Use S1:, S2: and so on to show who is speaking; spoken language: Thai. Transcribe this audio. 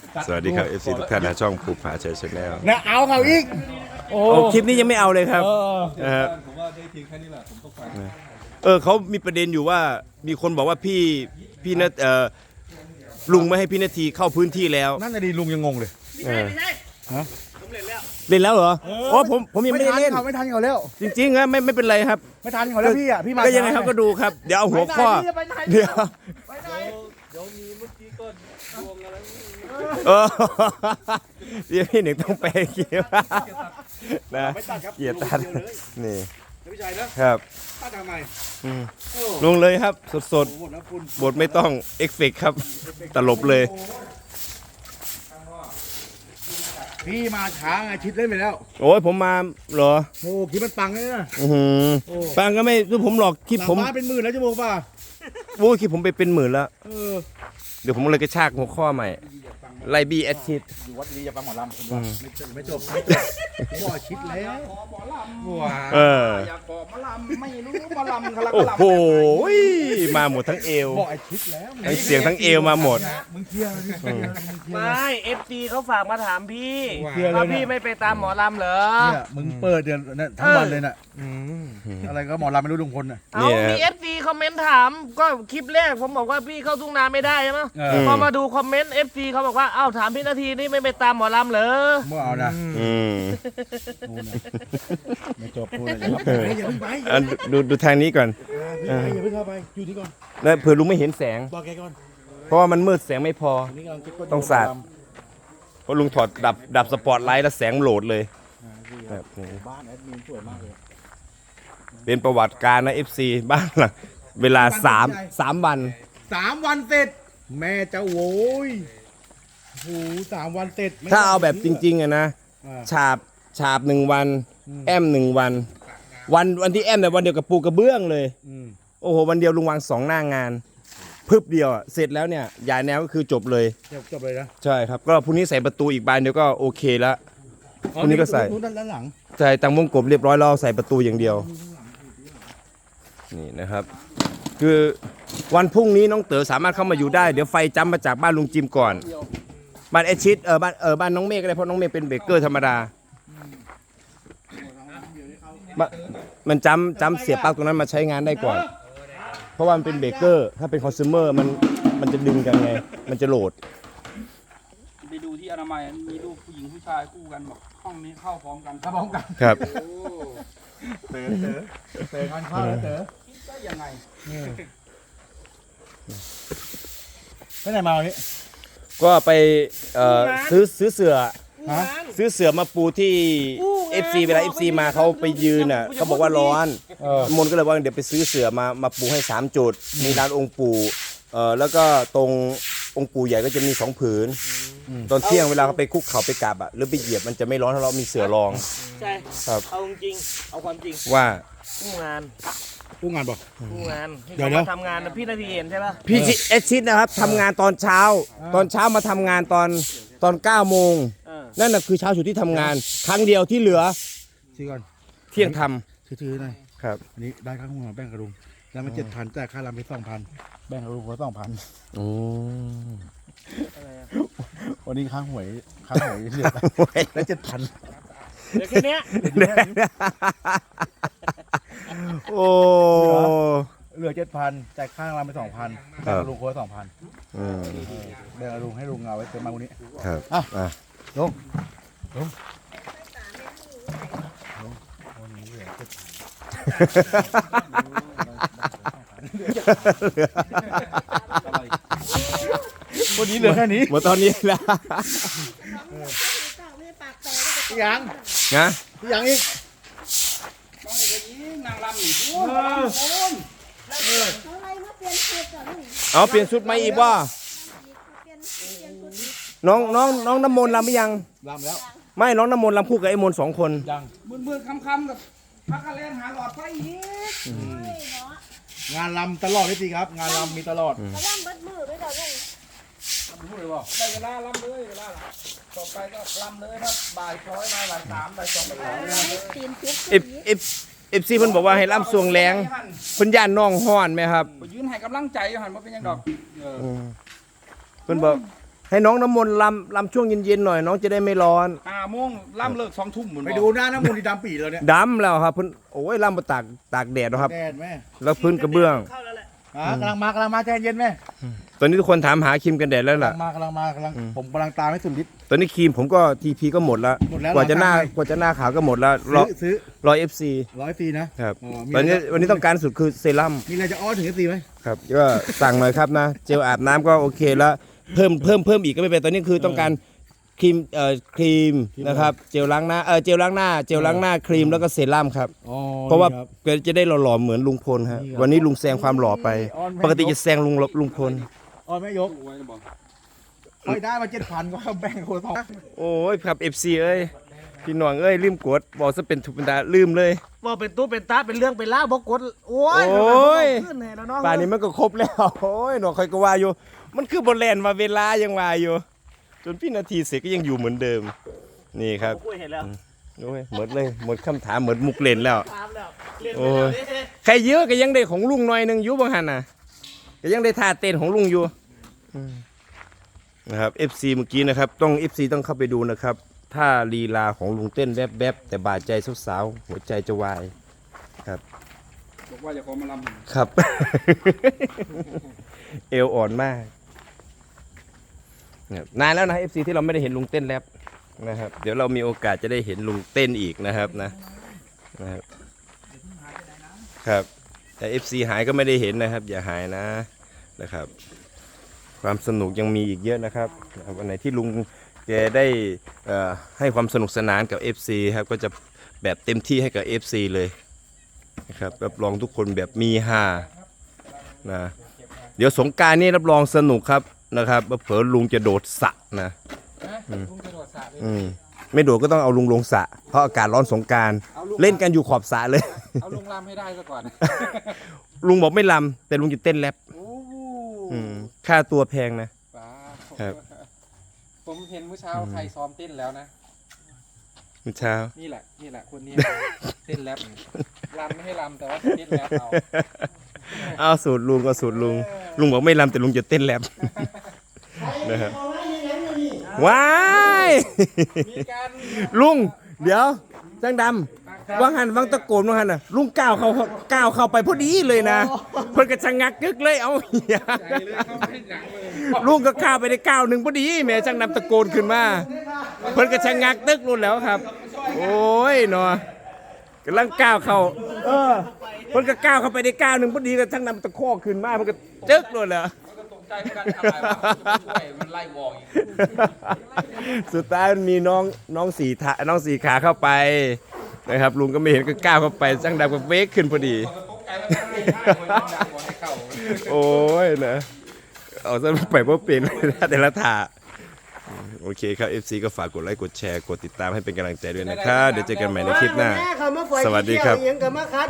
S1: สวัสดีครับ FC ทุกท่านนะช่องภูผาชัยชาแนล
S2: นะเอาเขาอีกโอ้
S1: คลิปนี้ยังไม่เอาเลยครับ นะครับ
S3: ผมว่าได้ทีแค่นี้แหละผมต้องไป
S1: เขามีประเด็นอยู่ว่ามีคนบอกว่าพี่นัทลุงไม่ให้พี่นาทีเข้าพื้นที่แล้ว
S2: นั่นน่ะดีลุงยังงงเลย
S1: ไม่ใช่เล่นแล้วเหรออ๋อผมยังไม่ได้เล่น
S2: ไม่ทันเขาแล้ว
S1: จริงๆนะไม่เป็นไรครับ
S2: ไม่ทันเขาแล้วพี่อ่ะพี่มา
S1: ก็ยังไงครับก็ดูครับ เดี๋ยวเอาหัวข้อเดี๋ยว
S3: เดี๋ยวมีเมื่อกี้ก็ดวงอะไร
S1: เออเดี๋ยวพี่หนึ่งต้องไปเกี่ยวนะเกียรติตัดนี่
S2: พี่ชายนะครับ ตัดทำไม
S1: ลงเลยครับสด
S2: หมดแล้วคุณ
S1: ๆบทไม่ต้องเอฟเฟกต์ครับตลบเลย
S2: พี่มาช้าไงชิดเล่นไปแล้ว
S1: โอ้ยผมมาเหรอ
S2: โอ้คิดมันปังเลยนะ
S1: อือหือฟังก็ไม่รู้ผมหรอกคลิป
S2: หลัง
S1: ผม
S2: บ้านเป็นหมื่นแล้วจะบอกป่ะ
S1: โอ้ยคลิปผมไปเป็นหมื่นแล้ว
S2: อ
S1: เดี๋ยวผมเลยกระชากหัวข้อใหม่ไลบีแอดชิด
S2: อยู่วัดดีจะฟังหมอลำคุณว่าไม่จบบ่ชิดแล้วว้า
S1: เออ
S3: อยากบอกมะลำไม่รู้มะลำคารา
S1: โอ้
S3: ลำ
S1: โหมาหมดทั้งเอว
S2: บ่ไอชิดแล้ว
S1: ทั้งเสียงทั้งเอวมาหมด
S2: มึงเคลียร์ดิมึงเคลียร์
S4: ไม่เอฟซีเขาฝากมาถามพี่
S2: เคลียร์เลย
S4: ว่า
S2: นะ
S4: พี่ไม่ไปตามหมอลำเหรอ
S2: เนี่ยมึงเปิดเดือนทั้งวันเลยน่ะอะไรก็หมอลำไม่รู้ลุงพลน่ะ
S4: เอามีเอฟซีคอมเมนต์ถาม ก็คลิปแรกผมบอกว่าพี่เข้าทุ่งนาไม่ได้ใช่ไหม พอมาดูคอมเมนต์เอฟซีเขาบอกว่าเอ้าถามพี่นาทีนี่ไม่ไปตามหมอลำเหรอ
S2: เมื่อเอานะ
S1: อืม
S2: ไม่จบพูดอะไรอย่าเพิ่งไป
S1: อ่ะดูทางนี้ก่อน
S2: อย่าเพิ่งเข้าไปอยู่ที่ก่อน
S1: แล้วเผื่อลุงไม่เห็นแสง
S2: บอกแกก่อน
S1: เพราะว่ามันมืดแสงไม่พอ
S2: นี่กำลังคิดว่า
S1: ต้องสาด เพราะลุงถอดดับสปอตไลท์แล้วแสงโหลดเลยแบบนี้
S2: บ้านแอดมินสวยมากเลย
S1: เป็นประวัติการนะ FC บ้านหลังเวลา3 วัน
S2: 3 วันเสร็จ แม่เจ้าโว้ยโอ้โห3 วันเสร็จไม่
S1: ถ้าเอาแบบจริงๆอะนะ
S2: อ่า
S1: ฉาบ1 วัน แอม1 วันที่แอมเนี่ยวันเดียวกับปูกระเบื้องเลย
S2: อืม
S1: โอ้โหวันเดียวลุงวาง2 หน้างานพึบเดียวอะเสร็จแล้วเนี่ยย้ายแนวก็คือจบเลย
S2: จบเลยนะ
S1: ใช่ครับก็พรุ่งนี้ใส่ประตูอีกบานเดียวก็โอเคแล้ว วันนี้ก็ใส่
S2: นู้นด้านหลัง
S1: ใส่ตังวงกบเรียบร้อยแล้วใส่ประตูอย่างเดียวนี่นะครับ คือวันพรุ่งนี้น้องเต๋อสามารถเข้ามาอยู่ได้เดี๋ยวไฟจำมาจากบ้านลุงจิมก่อนบ้านแอดชิดบ้านน้องเมฆก็ได้เพราะน้องเมฆเป็นเบเกอร์ธรรมดามันจำเสียบปลั๊กตรงนั้นมาใช้งานได้ก่อน เพราะว่ามันเป็นเบเกอร์ถ้าเป็นคอน sumer มันจะดึงกันไงมันจะโหลด
S3: ไปดูที่อนามัยมีรูปผู้หญิงผู้ชายคู่กันบอกห้องนี้เข้าพร้อมกัน
S2: พร้อมกัน
S1: ครับ
S2: เต๋อทานข้าวแล้วเต๋อ
S3: คิดได้ยังไง
S2: ไปไหนมาวันนี้
S1: ก็ไปซื้อเสือ
S2: ฮะ
S1: ซื้อเสือมาปูที่ FC เวลา FC มาเขาไปยืนอ่ะเขาบอกว่าร้อนมนก็เลยว่าเดี๋ยวไปซื้อเสือมาปูให้3 จุดมีลานองค์ปู่แล้วก็ตรงองค์ปู่ใหญ่ก็จะมี2 ผืนตอนเที่ยงเวลาเขาไปคุกเข่าไปกราบอ่ะหรือไปเหยียบมันจะไม่ร้อนเพราะเรามีเสือรอง
S4: ใช่
S1: ครับ
S4: เอาจริงๆเอาความจริง
S1: ว่า
S4: ผู้งาน
S2: ผู้งานบอก
S4: ผู้งานที่
S2: เดี๋ยว
S4: เขา
S2: นะ
S4: มาทำงานนะพี่นาทีเห็นใช่ปะ
S1: พี่เอชิดนะครับทำงานตอนเช้ามาทำงานตอน9 โมง นั่นน่ะคือเช้าสุดที่ทำงาน ครั้งเดียวที่เหลือ
S2: ซื้อก่อน
S1: เที่ยงท
S2: ถือหน่อย
S1: ำครับ
S2: อันนี้ได้ค่าหัวแบ่งกระดุมแล้วมัน7,000แต่ค่าลำไป2,000แบ่งกระดุมคนละ2,000
S1: โอ้
S2: วันนี้ค่าหวยเหลือแล้ว7,000
S4: เดี๋ยวแค่เนี้ย
S1: โอ้
S2: เหลือ7,000จ่ายค่าลำไป2,000แบ่งกระดุมคนละ2,000
S1: อืม
S2: แบ่งกระดุมให้ลุงเอาไว้เติมมาวันนี้
S1: ครับ
S2: อ่ะ ลุงวันนี้เหลือแค่นี้
S1: หมดตอนนี้แล้ว
S2: พี่ยัง
S1: นะ
S2: พี่ยังอีก
S3: ต้องให้ไปยิงนางรำหนีพูด
S5: อะไรมาเปลี่ยนชุดก่อนนี่
S1: เอาเปลี่ยนชุดไหมอีกว่า
S5: เปลี่ยนชุด
S1: น้องน้ำมนต์รำหรือยัง
S2: ลำแล้ว
S1: ไม่น้องน้ำมนต์รำคู่กับไอ้มนต์2 คน
S2: ยัง
S3: มืดๆค่ำๆกับพักกันเล่นหาหลอดไฟอีก
S5: เฮ้ยเนาะ
S2: งานลำตลอดพี่ตีครับ งานลำมีตลอด
S5: กระล่ำเบิดมือด้วยเดี๋ยวลุง
S3: พูดเลยบอกได้เวลาลำเลยเวลาละต่อไปก็ลำเลยครับบ่ายช้อยมาบ่าย3บ่าย2บ่าย3
S5: ให้ตีนชุด
S1: เอฟซีเพิ่นบอกว่าให้รำสวงแรงเพิ่นย่านน้องฮ้อนไหมครับ
S3: ไปยืนให้กำลังใจหันมาเป็นยังดอก
S1: เพิ่นบอกให้น้องน้ำมนต์ลำช่วงเย็นๆหน่อยน้องจะได้ไม่ร้อน
S3: 5 โมงล่ำเลิก2 ทุ่มเหมือน
S2: ไปดูหน้าน้ำมูลที่ดำปีแล้วเนี่ย
S1: ดำแล้วครับเพิ่นโอ้ยลำมาตากแดดนะครับ
S2: แดดแม่
S1: แล้วพื้นกระเบื้อง
S4: เข้าแล้วแหละ
S2: กำลังมาใจเย็นแม่
S1: ตอนนี้ทุกคนถามหาครีมกันแดดแล้ว
S2: กำลั
S1: ล่ะ
S2: งมากำลังผมกำลังตามให้สุดฤทธิ์
S1: ตอนนี้ครีมผมก็ทีพีก็หมดแล้ว
S2: หมดแล้ว
S1: กว่าจะหน้า
S2: ราคาไง
S1: กว่าจะหน้าขาวก็หมดแล้ว
S2: ซื้อ
S1: รอ FC
S2: 100 นะครับ มี
S1: ตอนนี้
S2: อะไร
S1: วันนี้ต้องการสุดคือเซรั่ม
S2: มีอะไรจะอ้อนถึงFCไหม
S1: ครับก็สั่งหน่อยครับนะ เจลอาบน้ำก็โอเคแล้วเพิ่มอีกก็ไม่เป็นตอนนี้คือต้องการครีมนะครับเจลล้างหน้าเจลล้างหน้าครีมแล้วก็เซรั่มครับ
S2: อ๋อ
S1: เพราะว่า
S2: นี่คบ
S1: ก็จะได้หล่อๆเหมือนลุงพลฮะ
S2: นี่ครับ
S1: วันนี้ลุงแซงความหล่อไป
S2: อ้อนแม่
S1: ปกติจะแซงลุงพล
S2: อ้อนแม่ยกค่อยได้มา7,000ก็แบ่งคนสอง
S1: โอ้ยครับ FC เอ้ยพี่หน่วงเอ้ยลืมกดบอกซะเป็นทุกเป็นตาลืมเลย
S4: บอกเป็นตู้เป็นตาเป็นเรื่องเป็นเล่าวบอกกดโอ้ย
S1: โอ้ย
S4: ขึ้นแน่แล้วเนาะ
S1: ป่านนี้มันก็ครบแล้ว โอ้ยหน่วงคอยก็ว่าอยู่ มันคือบนแลนมาเวลายังว่าอยู่ จนพี่นาทีเสร็จก็ยังอยู่เหมือนเดิม นี่ครับ
S4: คุยเห็นแล้ว
S1: โอ้ยหมดเลยหมดคำถามหมดมุกเล่นแล้ว
S4: ตามแล้วเรียนไป
S1: โอ้
S4: แล้ว
S1: ย
S4: นี่
S1: ใครเยอะก็ยังได้ของลุงหน่อยหนึงอยู่บางหันน่ะก็ยังได้ท่าเต้นของลุงอยู่นะครับ FC เมื่อกี้นะครับต้อง FC ต้องเข้าไปดูนะครับท่าลีลาของลุงเต้นแวบๆแต่บาดใจสาวๆหัวใจจะวาย
S3: บอกว่าจะขอมาลำ
S1: ครับ เอวอ่อนมากนะครับนานแล้วนะ FC ที่เราไม่ได้เห็นลุงเต้นแรปนะครับ เดี๋ยวเรามีโอกาสจะได้เห็นลุงเต้นอีกนะครับนะครับแต่ FC หายก็ไม่ได้เห็นนะครับ อย่าหายนะครับ ความสนุกยังมีอีกเยอะนะครับวันไหนที่ลุงแกได้ให้ความสนุกสนานกับ FC ครับก็จะแบบเต็มที่ให้กับ FC เลยนะครับรับรองทุกคนแบบมีฮานะเดี๋ยวสงกรานต์นี่รับรองสนุกครับนะครับเผลอลุงจะโดดสระนะไม่โดดก็ต้องเอาลุงลงสระเพราะอากาศร้อนสงกรานต์เล่นกันอยู่ขอบสระเลย
S3: เอาลุงลำให้ได้ซะก่อน
S1: ลุงบอกไม่ลำแต่ลุงจะเต้นแรปค่าตัวแพงนะ
S6: ว้าว
S1: ครับ
S6: ผมเห็นเมื่อเช้าใครซ้อมเต้นแล้วนะ
S1: เมื่อเช้า
S6: นี่แหละคนนี้ เต้นแรปรำไม่ให้รำแต่ว่าเต้นแรปเอา
S1: เอาสูตรลุงก็สูตรลุงบอกไม่ลำแต่ลุงจะเต้นแรปนะครับว้าย
S6: มีการ
S1: ลุงเดี๋ยวจังดำวังหันวังตะโกนวังหันน่ะลุงก้าวเข้าไปพอดีเลยนะเพิ่นก็ชะงักกึกเลยเอาเหี้ย
S6: ใจเลยเข้าไม่หนังเลย
S1: ลุงก็ข้าวไปได้ก้าวหนึ่งพอดีแม่จังดำตะโกนขึ้นมาเพิ่นก็ชะงักตึกนู่นแล้วครับ โอ้ยเนาะกำลังก้าวเข้าเพิ่นก็ก้าวเข้าไปได้ก้าวหนึ่งพอดีก็จังดำตะคอกขึ้นมาเพิ่นก็จึ๊กนู่นแล้ว
S3: ตกใจเหมือนกันอะไรวะช่วยมันไล่วอกอีก
S1: สุดท้ายมันมีน้องสี่ขาเข้าไปนะครับลุงก็ไม่เห็นก็ก้าวเข้าไปจังดำก็เวกขึ้นพอดี
S3: ตกใจมันไม่ได้คนดังบอกให้เข้า
S1: โอ้ยนะเอาซะไปเพราะเป็นแต่ละถาโอเคครับ FC ก็ฝากกดไลค์กดแชร์กดติดตามให้เป็นกำลังใจด้วยนะครับเดี๋ยวเจอกันใหม่ในคลิปหน้า สวัสดีครับ